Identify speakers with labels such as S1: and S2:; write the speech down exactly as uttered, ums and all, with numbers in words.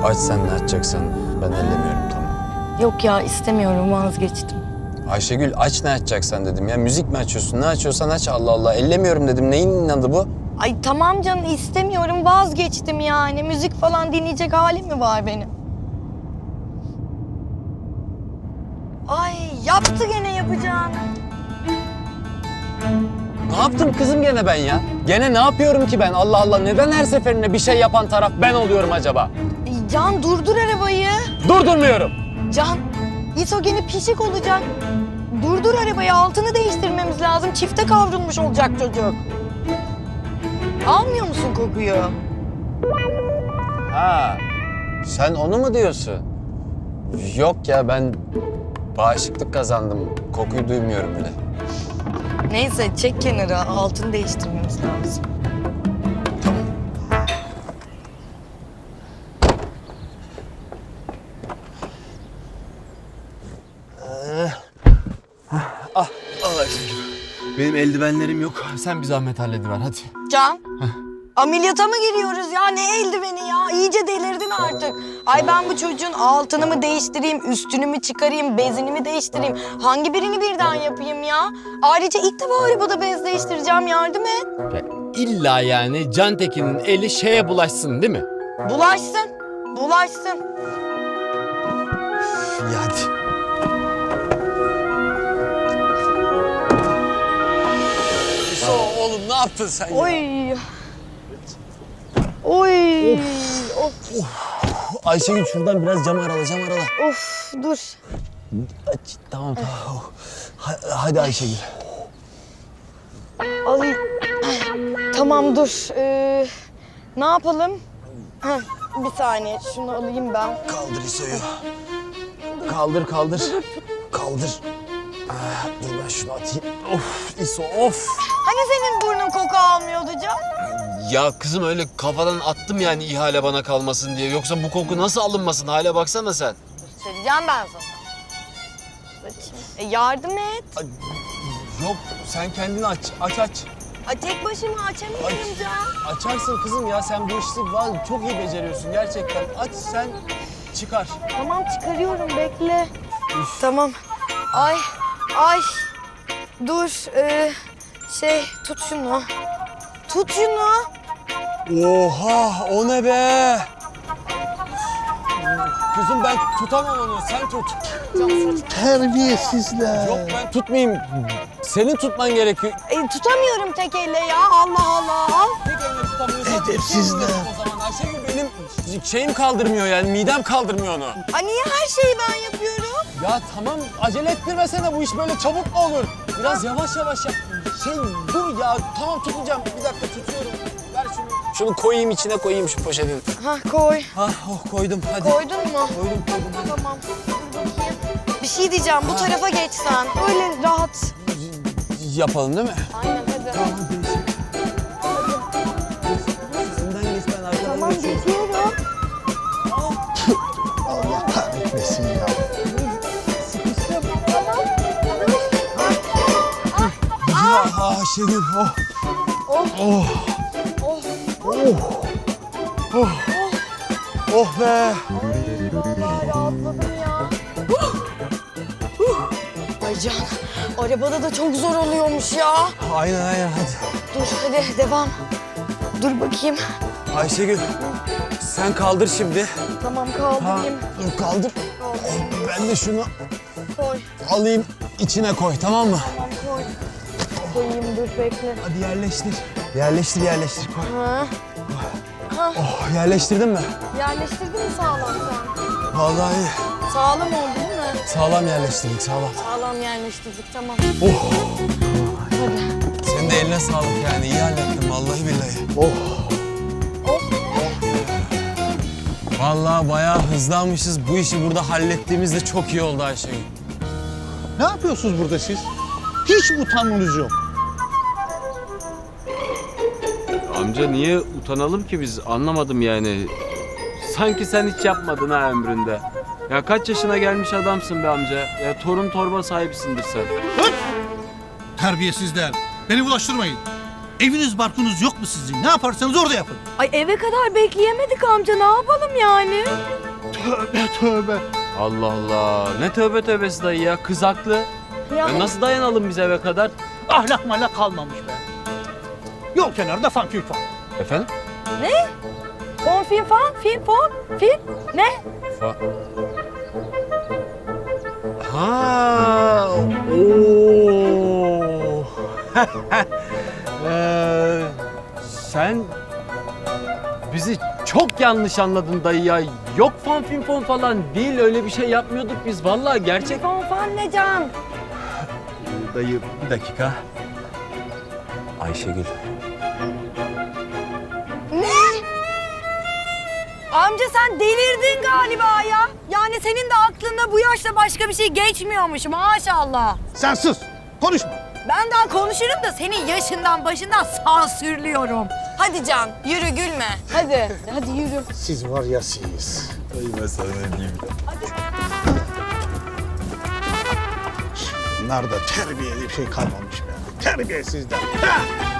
S1: Aç sen ne açacaksan, ben ellemiyorum, tamam.
S2: Yok ya, istemiyorum, vazgeçtim.
S1: Ayşegül, aç ne açacaksan dedim ya. Müzik mi açıyorsun? Ne açıyorsan aç, Allah Allah. Ellemiyorum dedim. Neyin inadı bu?
S2: Ay tamam canım, istemiyorum, vazgeçtim yani. Müzik falan dinleyecek halim mi var benim? Ay yaptı gene yapacağını.
S1: Ne yaptım kızım gene ben ya? Gene ne yapıyorum ki ben? Allah Allah, neden her seferinde bir şey yapan taraf ben oluyorum acaba?
S2: Ay, Can durdur arabayı.
S1: Durdurmuyorum.
S2: Can, İso gene pişik olacak. Durdur arabayı, altını değiştirmemiz lazım. Çifte kavrulmuş olacak çocuk. Almıyor musun kokuyu?
S1: Ha, sen onu mu diyorsun? Yok ya, ben bağışıklık kazandım. Kokuyu duymuyorum bile.
S2: Neyse, çek kenara, altını değiştirmemiz lazım.
S1: Tamam.
S3: Ah, al Ayşegül. Benim eldivenlerim yok. Sen bir zahmet hallediver hadi.
S2: Can, ameliyata mı giriyoruz ya? Ne eldiveni ya? İyice delirdin artık. Ay ben bu çocuğun altını mı değiştireyim, üstünü mü çıkarayım, bezini mi değiştireyim? Hangi birini birden yapayım ya? Ayrıca ilk defa arabada bez değiştireceğim, yardım et.
S4: Ya illa yani Cantekin'in eli şeye bulaşsın değil mi?
S2: Bulaşsın, bulaşsın.
S3: İyi hadi.
S1: İso, oğlum ne yaptın sen ya?
S2: Oy. Oy. Of.
S1: Ayşegül şuradan biraz cam arala, cam arala.
S2: Of, dur.
S1: Aç, tamam tamam. Ha- Hadi Ayşegül.
S2: Ay. Tamam dur. Ee, ne yapalım? Heh, bir saniye, şunu alayım ben.
S1: Kaldır İso'yu. Kaldır, kaldır. Kaldır. Ah, dur ben şunu atayım. Of İso, of.
S2: Hani senin burnun koku almıyordu Can?
S4: Ya kızım öyle kafadan attım yani ihale bana kalmasın diye. Yoksa bu koku nasıl alınmasın? Hale baksana sen.
S2: Söyleyeceğim ben sana. Açayım. E yardım et.
S1: Yok, sen kendini aç, aç aç.
S2: Ay tek başıma açamıyorum
S1: Aç.
S2: Can.
S1: Açarsın kızım ya, sen bu işi vallahi çok iyi beceriyorsun gerçekten. Aç sen, çıkar.
S2: Tamam çıkarıyorum, bekle. Tamam. Ay, ay. Dur. Ee, şey, tut şunu. Tut şunu.
S1: Oha, o ne be? Kızım ben tutamam onu, sen tut.
S5: Terbiyesizler.
S1: Yok ben tutmayayım. Senin tutman gerekiyor.
S2: E, tutamıyorum tek elle ya. Allah Allah.
S1: Tek elini tutamıyorsan
S5: Edepsizler.
S1: tutamıyorum o zaman. Ayşegül benim şeyim kaldırmıyor yani, midem kaldırmıyor onu.
S2: Ay niye her şeyi ben yapıyorum?
S1: Ya tamam, acele ettirmesene, bu iş böyle çabuk mu olur? Biraz yavaş yavaş yap. Şey dur ya, tamam tutacağım. Bir dakika tutuyorum. Ver şunu. Şunu koyayım, içine koyayım şu poşetin.
S2: Ha koy.
S1: Ah oh koydum hadi.
S2: Koydun mu?
S1: Koydum koydum hadi.
S2: Tamam. Dur bakayım. Bir şey diyeceğim. Bu tarafa geç sen. Öyle rahat.
S1: Yapalım değil mi?
S2: Aynen hadi.
S1: Önden geç, ben arkadan
S2: Tamam
S1: geçiyorum.
S2: geçiyorum.
S5: Allah kahretmesin ya.
S1: Ah Ayşegül, oh.
S2: Oh.
S1: Oh.
S2: Oh.
S1: Oh. Oh. Oh be.
S2: Ya rahatladım ya. Ay Can, arabada da çok zor oluyormuş ya.
S1: Aynen aynen hadi.
S2: Dur hadi devam. Dur bakayım.
S1: Ayşegül, sen kaldır şimdi.
S2: Tamam kaldırayım.
S1: Dur kaldır.
S2: Kaldırayım.
S1: Ben de şunu
S2: Koy.
S1: alayım, içine koy, tamam mı?
S2: Tamam koy. Koyayım dur bekle.
S1: Hadi yerleştir. Yerleştir, yerleştir. Koy.
S2: Ha.
S1: Oh, yerleştirdin mi?
S2: Yerleştirdin mi sağlam sen?
S1: Vallahi iyi.
S2: Sağlam oldu değil mi?
S1: Sağlam yerleştirdik, sağlam.
S2: Sağlam yerleştirdik tamam.
S1: Oh,
S2: Hadi.
S1: senin de eline sağlık yani. İyi hallettin vallahi billahi.
S5: Oh.
S2: Oh.
S1: Vallahi bayağı hızlanmışız. Bu işi burada hallettiğimizde çok iyi oldu Ayşegül.
S5: Ne yapıyorsunuz burada siz? Hiç utanmanız yok.
S4: Amca niye utanalım ki biz? Anlamadım yani. Sanki sen hiç yapmadın ha ömründe. Ya kaç yaşına gelmiş adamsın be amca. Ya torun torba sahibisindir sen.
S5: Terbiyesizler. Beni bulaştırmayın. Eviniz barkınız yok mu sizin? Ne yaparsanız orada yapın.
S2: Ay eve kadar bekleyemedik amca, ne yapalım yani?
S5: Tövbe tövbe.
S4: Allah Allah. Ne tövbe tövbesi dayı ya. Kız haklı. Ya nasıl dayanalım biz eve kadar?
S5: Ahlak malak kalmamış be. Yol kenarında fan fan.
S4: Efendim?
S2: Ne? Fon film fan, film fon, film ne?
S4: Fa ha, ooo. Ee, sen bizi çok yanlış anladın dayı ya. Yok fan film fon falan değil, öyle bir şey yapmıyorduk biz. Vallahi gerçek.
S2: Fon fan ne can?
S3: Dayı bir dakika. Ayşegül.
S2: Ne? Amca sen delirdin galiba ya. Yani senin de aklında bu yaşta başka bir şey geçmiyormuş maşallah.
S5: Sen sus. Konuşma.
S2: Ben daha konuşurum da senin yaşından başından sansürlüyorum. Hadi Can, yürü gülme. Hadi, hadi yürü.
S5: Siz var ya siz.
S3: Dayı ben sana ne diyeyim?
S5: Bunlarda terbiyeli bir şey kalmamış be. Terbiyesizler. Ha!